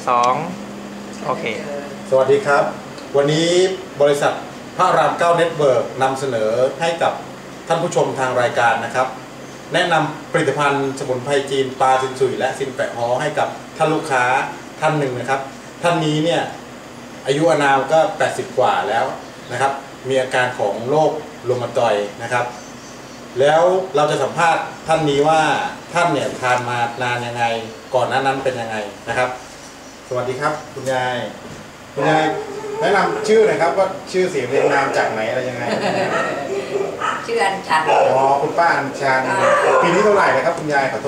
2โอเคสวัสดีครับวันนี้บริษัทพระราม9เน็ตเวิร์กนำเสนอให้กับท่านผู้ชมทางรายการนะครับแนะนำผลิตภัณฑ์สมุนไพรจีนปาซินซุยและซินแปะฮอให้กับท่านลูกค้าท่านหนึ่งนะครับท่านนี้เนี่ยอายุอานามก็80กว่าแล้วนะครับมีอาการของโรครูมาตอยด์นะครับแล้วเราจะสัมภาษณ์ท่านนี้ว่าท่านเนี่ยทานมานานยังไงก่อนหน้านั้นเป็นยังไงนะครับสวัสดีครับคุณยายแนะนำชื่อหน่อยครับว่าชื่อเสียงเรียงนามจากไหนอะไรยังไงชื่ออัญชันอ๋อคุณป้าอัญชันปีนี้เท่าไหร่นะครับคุณยายขอโทษ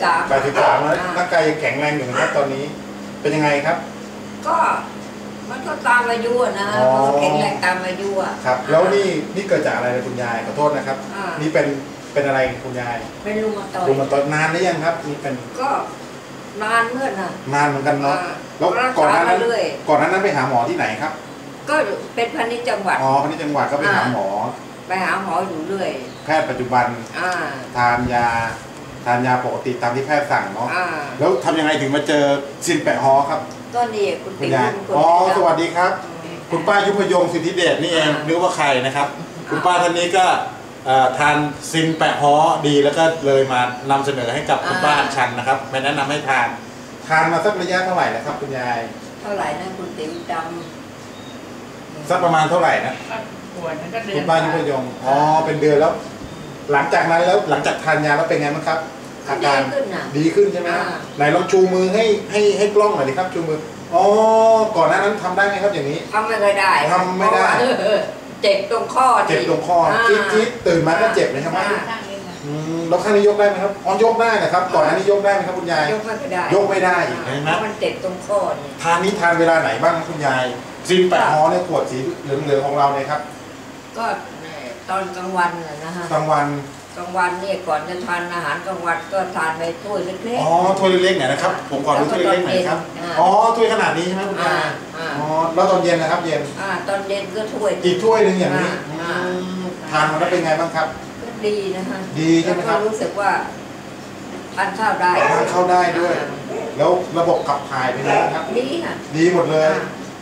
83แล้วร่างกายยังแข็งแรงอยู่นะครับตอนนี้เป็นยังไงครับก็มันก็ตามอายุนะแข็งแรงตามอายุครับแล้วนี่เกิดจากอะไรคุณยายขอโทษนะครับนี่เป็นอะไรคุณยายเป็นรูมาตอยด์นานหรือยังครับนี่เป็นก็นานเมื่อน่ะนานเหมือนกันเนาะแล้วก่อนหน้านั้นไปหาหมอที่ไหนครับก็เป็นพาณิชย์จังหวัดพาณิชย์จังหวัดก็ไปหาหมออยู่เรื่อยแพทย์ปัจจุบันทานยาปกติตามที่แพทย์สั่งเนาะแล้วทำยังไงถึงมาเจอซินแปะฮอครับก็นี่คุณติ๋วสวัสดีครับคุณป้ายุพยงสิทธิเดชนี่เองนึกว่าใครนะครับคุณป้าท่านนี้ก็ทานซินแปะฮอดีแล้วก็เลยมานำเสนอให้กับคุณป้าอัญชันนะครับไม่แนะนำให้ทานมาสักระยะเท่าไหร่นะครับคุณยายเท่าไหร่นะคุณติ๋วจำสักประมาณเท่าไหร่นะคุณป้ายุพยงเป็นเดือนแล้วหลังจากนั้นแล้วหลังจากทานยาแล้วเป็นไงบ้างครับอาการดีขึ้นใช่ไหมไหนลองชูมือให้กล้องหน่อยดิครับชูมือก่อนหน้านั้นทำได้ไหมครับอย่างนี้ทำไม่ได้เจ็บตรงข้อจี๊ดตื่นมาก็เจ็บเลยใช่ไหมแล้วข้างนี้ยกได้ไหมครับยกได้นะครับก่อนหน้านี้ยกได้ไหมครับคุณยายยกไม่ได้อีกนะมันเจ็บตรงข้อเนี่ยทานเวลาไหนบ้างคุณยายซินแปะฮอในขวดสีเหลืองๆของเราเนี่ยครับก็ตอนกลางวันนะฮะกลางวันเนี่ยก่อนจะทานอาหารกลางวันก็ทานไปถ้วยเล็กๆถ้วยเล็กๆเนี่ยนะครับผมขอดูถ้วยเล็กๆหน่อยครับถ้วยขนาดนี้ใช่ไหมคุณยายแล้วตอนเย็นนะครับเย็นตอนเย็นก็ถ้วยอีกถ้วยนึงอย่างนี้ทานมาแล้วเป็นไงบ้างครับก็ดีนะคะดีใช่ไหมครับรู้สึกว่าทานข้าวได้ด้วยแล้วระบบขับถ่ายเป็นไงครับดีค่ะดีหมดเลย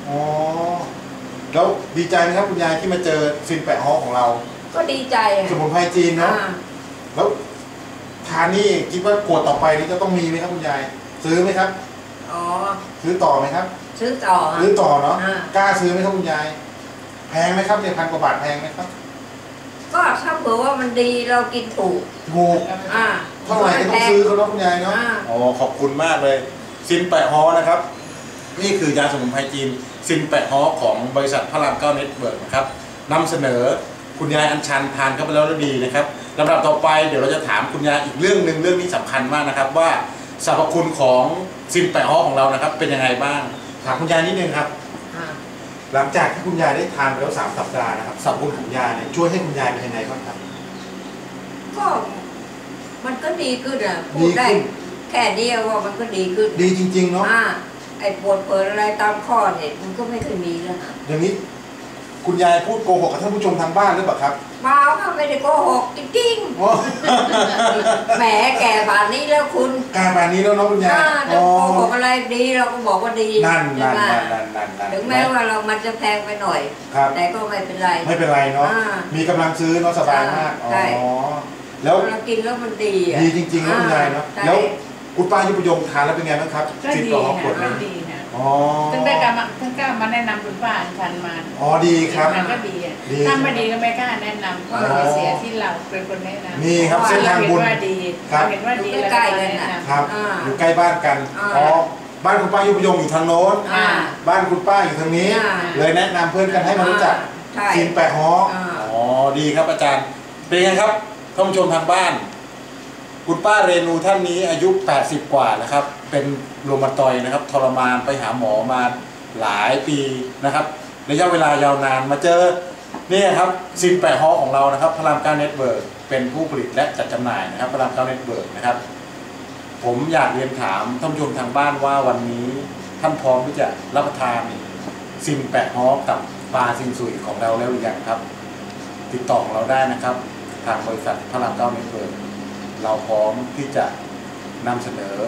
แล้วดีใจไหมครับคุณยายที่มาเจอซินแปะฮอของเราก็ดีใจสมุนไพรจีนเนาะแล้วทานนี่คิดว่าขวดต่อไปนี้จะต้องมีไหมครับคุณยายซื้อไหมครับซื้อต่อไหมครับซื้อต่อเนาะกล้าซื้อไหมครับคุณยายแพงไหมครับเนี่ย1,000 กว่าบาทแพงไหมครับก็ถ้าเผื่อว่ามันดีเรากินถูกเท่าไหร่ก็ต้องซื้อเขาเนาะคุณยายเนาะขอบคุณมากเลยซินแปะฮอนะครับนี่คือยาสมุนไพรจีนซินแปะฮอของบริษัทพระราม9เน็ตเวิร์กนะครับนำเสนอคุณยายอัญชันทานเข้าไปแล้วดีนะครับลำดับต่อไปเดี๋ยวเราจะถามคุณยายอีกเรื่องหนึ่งเรื่องนี้สำคัญมากนะครับว่าสรรพคุณของซินแปะฮอของเรานะครับเป็นยังไงบ้างถามคุณยายนิดนึงครับหลังจากที่คุณยายได้ทานไปแล้ว3 สัปดาห์นะครับสรรพคุณของยาเนี่ยช่วยให้คุณยายเป็นยังไงบ้างครับก็มันก็ดีขึ้นพูดได้แค่เดียวว่ามันก็ดีขึ้นดีจริงๆเนาะไอ้ปวดเปิดอะไรตามข้อเนี่ยมันก็ไม่เคยมีแล้วอย่างนี้คุณยายพูดโกหกกับท่านผู้ชมทางบ้านหรือเปล่าครับเปล่าค่ะไม่ได้โกหกจริงๆแหมแก่ป่านนี้แล้วคุณแก่ป่านนี้แล้วเนาะคุณยายโกหกอะไรดีเราก็บอกว่าดีนั่นถึงแม้ว่าเรามันจะแพงไปหน่อยแต่ก็ไม่เป็นไรเนาะมีกำลังซื้อเนาะสบายมากแล้วเรากินแล้วมันดีจริงๆนะคุณยายเนาะแล้วคุณป้ายุพยงทานแล้วเป็นไงบ้างครับก็ดีค่ะดีนะตั้งแต่กล้ามาแนะนำคุณป้าอัญชันมาดีครับมันก็ดีถ้าไม่ดีก็ไม่กล้าแนะนำเพราะมันเสียที่เราเป็นคนแนะนำนี่ครับเส้นทางบุญเห็นว่าดีใกล้กันครับอยู่ใกล้บ้านกันบ้านคุณป้ายุพยงอยู่ทางโน้นบ้านคุณป้าอยู่ทางนี้เลยแนะนำเพื่อนกันให้มารู้จักซินแปะฮอดีครับอาจารย์เป็นไงครับท่านผู้ชมทางบ้านคุณป้าเรนูท่านนี้อายุ80กว่านะครับเป็นรูมาตอยด์นะครับทรมานไปหาหมอมาหลายปีนะครับระยะเวลายาวนานมาเจอนี่ครับซินแปะฮอของเรานะครับพระราม9เน็ตเวิร์กเป็นผู้ผลิตและจัดจำหน่ายนะครับพระราม9เน็ตเวิร์กนะครับผมอยากเรียนถามท่านผู้ชมทางบ้านว่าวันนี้ท่านพร้อมที่จะรับประทานซินแปะฮอกับปลาซินซุยของเราแล้วหรือยังครับติดต่อเราได้นะครับทางบริษัทพระราม9เน็ตเวิร์กเราพร้อมที่จะนำเสนอ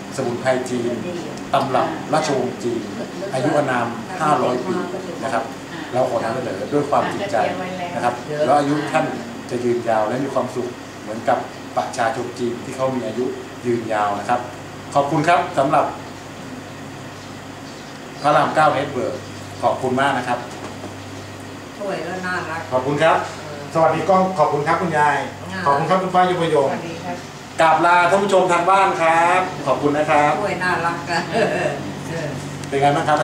สมุนไพรจีนตำรับราชวงศ์จีนอายุอานาม 500 ปีนะครับเราขอนำเสนอด้วยความจริงใจนะครับแล้วอายุท่านจะยืนยาวและมีความสุขเหมือนกับประชาชนจีนที่เขามีอายุยืนยาวนะครับขอบคุณครับสำหรับพระราม9เฮดเบิร์กขอบคุณมากนะครับสวยแล้วน่ารักขอบคุณครับ สวัสดีกล้องขอบคุณครับคุณยาย ขอบคุณครับคุณป้ายุพยงสวัสดีครับกราบลาท่านผู้ชมทางบ้านครับ ขอบคุณนะครับสวยน่ารักกันเป็นไงบ้างครับ